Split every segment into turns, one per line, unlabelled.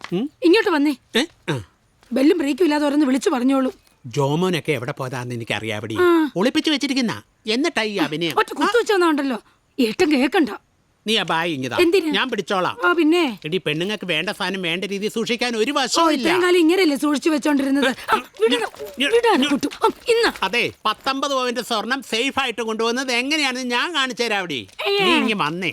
ഇങ്ങോട്ട് വന്നേ. ബെല്ലും ബ്രേക്കും ഇല്ലാതെ ഓരോന്ന് വിളിച്ചു പറഞ്ഞോളൂ.
ജോമോനൊക്കെ എവിടെ പോതാന്ന് എനിക്ക് അറിയാവടി. ഒളിപ്പിച്ചു വെച്ചിരിക്കുന്ന എന്നിട്ടായി അഭിനയം.
ഒറ്റ കുത്തു വെച്ചോന്നുണ്ടല്ലോ. ഏട്ടൻ കേക്കണ്ട.
നീ ആ ബായി ഇങ്ങതാ, ഞാൻ പിടിച്ചോളാം.
പിന്നെ
എടി പെണ്ണുങ്ങൾക്ക് വേണ്ട സാധനം വേണ്ട രീതിയിൽ സൂക്ഷിക്കാൻ ഒരു വശവും ഇല്ല.
ഇത്രയും കാലം ഇങ്ങനെയല്ലേ സൂക്ഷിച്ചു വെച്ചോണ്ടിരുന്നത്.
അതെ, 19 പവന്റെ സ്വർണം സേഫ് ആയിട്ട് കൊണ്ടുവന്നത് എങ്ങനെയാണെന്ന് ഞാൻ കാണിച്ചു തരാം. അവിടെ നീ ഇങ്ങ് വന്നേ.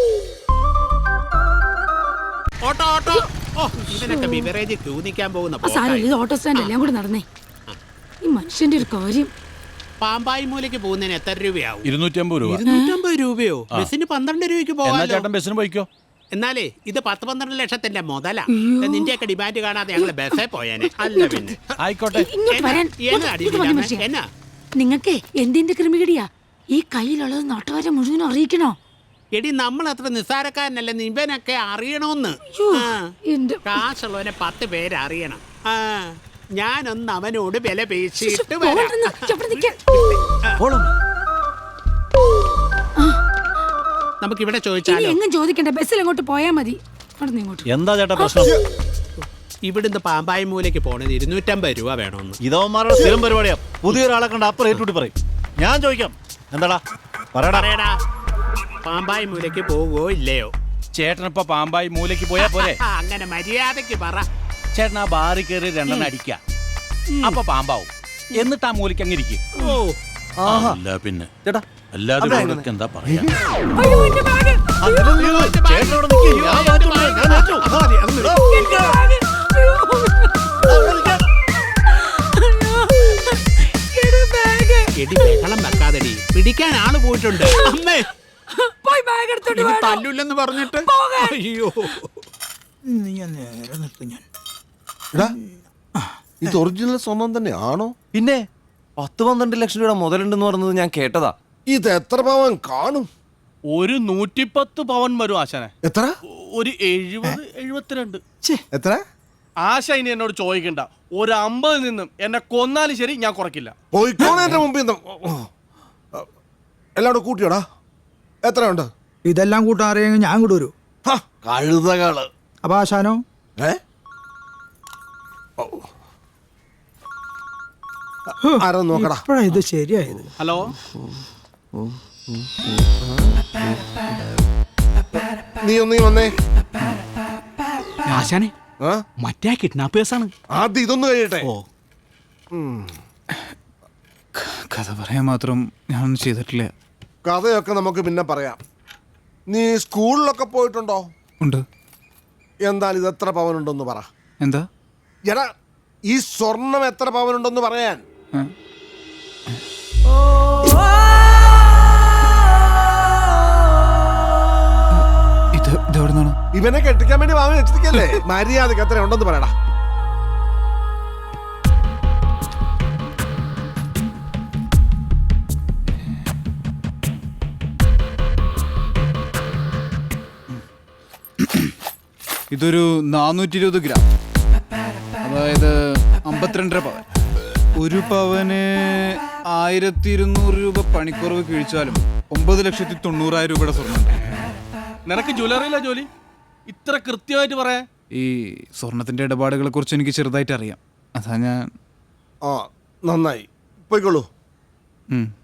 Auto auto. ഓ, ഇവനൊക്കെ ബിവറേജ് ക്യൂ നിൽക്കാൻ പോകുന്ന
ഓട്ടോ സ്റ്റാൻഡ് എല്ലാം കൂടെ നടന്നേ. ഈ മനുഷ്യന്റെ ഒരു കാര്യം.
പാമ്പായി മൂലയ്ക്ക് പോകുന്നതിന് എത്ര രൂപയാവും?
250 രൂപ.
250 രൂപയോ? ബസ്സിന് 12 രൂപയ്ക്ക് പോകാം.
ബസ്സിന് പോയിക്കോ.
എന്നാലേ ഇത് 10-12 ലക്ഷത്തിന്റെ മുതലാ. നിന്റെയൊക്കെ ഡിമാൻഡ് കാണാതെ ഞങ്ങള് ബസ്സേ പോയേനെ. അല്ല പിന്നെ
ആയിക്കോട്ടെ.
എന്നാ
നിങ്ങക്ക് എന്തിന്റെ ക്രിമികടിയാ? ഈ കയ്യിലുള്ളത് നാട്ടുകാരെ മുഴുവൻ അറിയിക്കണോ?
എടി, നമ്മൾ അത്ര നിസ്സാരക്കാരനല്ല. ഇവനൊക്കെ അറിയണോന്ന്. കാശുള്ളവനെ 10 പേര് അറിയണം. ഞാനൊന്ന് അവനോട് വില പേശിയിട്ട് നമുക്കിവിടെ ചോദിച്ചാലോ?
എങ്ങും ചോദിക്കണ്ട, ബസ്സിൽ അങ്ങോട്ട് പോയാ മതി.
എന്താ ചേട്ടാ പ്രശ്നം?
ഇവിടുന്ന് പാമ്പായി മൂലയ്ക്ക് പോണത് 250 രൂപ വേണമെന്ന്.
ഇതവന്മാരുടെ സ്ഥിരം പരിപാടിയാ. പുതിയൊരാളെ കണ്ട അപ്പുറം ഏറ്റുകൂട്ടി പറയും. ഞാൻ ചോദിക്കാം, എന്താടാ പറയടാ.
പാമ്പായി മൂലയ്ക്ക് പോവോ ഇല്ലയോ?
ചേട്ടനിപ്പോ പാമ്പായി മൂലയ്ക്ക് പോയാ പോരെ?
അങ്ങനെ മര്യാദക്ക് പറ.
ചേട്ടൻ ആ ബാറി കയറി 2 അടിക്ക, അപ്പൊ പാമ്പാവും. എന്നിട്ട് ആ മൂലയ്ക്ക് അങ്ങ് ഇരിക്കും. അല്ല പിന്നെ ചേട്ടാ, അല്ലാതെ എന്താ പറയാ?
എടി, ബഹളം വെക്കാതെടി. പിടിക്കാൻ ആള് പോയിട്ടുണ്ട്. അമ്മേ, തല്ലൂല്ലെന്ന് പറഞ്ഞിട്ട്. അയ്യോ,
ഇത് ഒറിജിനൽ സ്വർണം തന്നെ ആണോ?
പിന്നെ 10-12 ലക്ഷം രൂപ മുതലുണ്ടെന്ന് പറഞ്ഞത് ഞാൻ കേട്ടതാ.
ഇത് എത്ര പവൻ കാണും?
ഒരു 110 പവൻ വരും ആശാനെ.
എത്ര?
ഒരു 70-72.
എത്ര?
ആശ ഇനി എന്നോട് ചോദിക്കണ്ട. ഒരു 50 നിന്നും എന്നെ കൊന്നാലും ശരി, ഞാൻ കുറയ്ക്കില്ല.
പോയിക്കോണേന്റെ മുമ്പിൽ എല്ലാം കൂട്ടിയോടാ. എത്ര ഉണ്ട്?
ഇതെല്ലാം കൂട്ടാൻ അറിയാമെങ്കിൽ ഞാൻ കൂടെ വരൂ.
കഴുതകള്.
അപ്പൊ ആശാനോ?
ആരോ നോക്കടാ.
ഇത് ശരിയായത്.
ഹലോ,
നീ വന്നേ.
ആശാനെ, മറ്റേ കിഡ്നാപ്പേഴ്സാണ്.
ആദ്യം ഇതൊന്നും കഴിയട്ടെ.
കഥ പറയാൻ മാത്രം ഞാനൊന്നും ചെയ്തിട്ടില്ല.
കഥയൊക്കെ നമുക്ക് പിന്നെ പറയാം. നീ സ്കൂളിലൊക്കെ പോയിട്ടുണ്ടോ?
ഉണ്ട്.
എന്തായാലും ഇത് എത്ര പവനുണ്ടെന്ന് പറ.
എന്താ?
എടാ, ഈ സ്വർണം എത്ര പവനുണ്ടെന്ന് പറയാൻ. ഇവനെ കെട്ടിക്കാൻ വേണ്ടി വാങ്ങി വെച്ചിരിക്കല്ലേ? മര്യാദക്ക് എത്ര ഉണ്ടെന്ന് പറയടാ.
ഇതൊരു 420 ഗ്രാം, അതായത് 52.5 പവൻ. ഒരു പവന് 1200 രൂപ പണിക്കുറവ് കിഴിച്ചാലും 9,90,000 രൂപയുടെ സ്വർണ്ണം.
നിനക്ക് ജ്വല്ലറിയില്ല ജോലി? ഇത്ര കൃത്യമായിട്ട് പറയാ?
ഈ സ്വർണത്തിന്റെ ഇടപാടുകളെ കുറിച്ച് എനിക്ക് ചെറുതായിട്ട് അറിയാം. അതാ ഞാൻ.
നന്നായി, പോയിക്കോളൂ.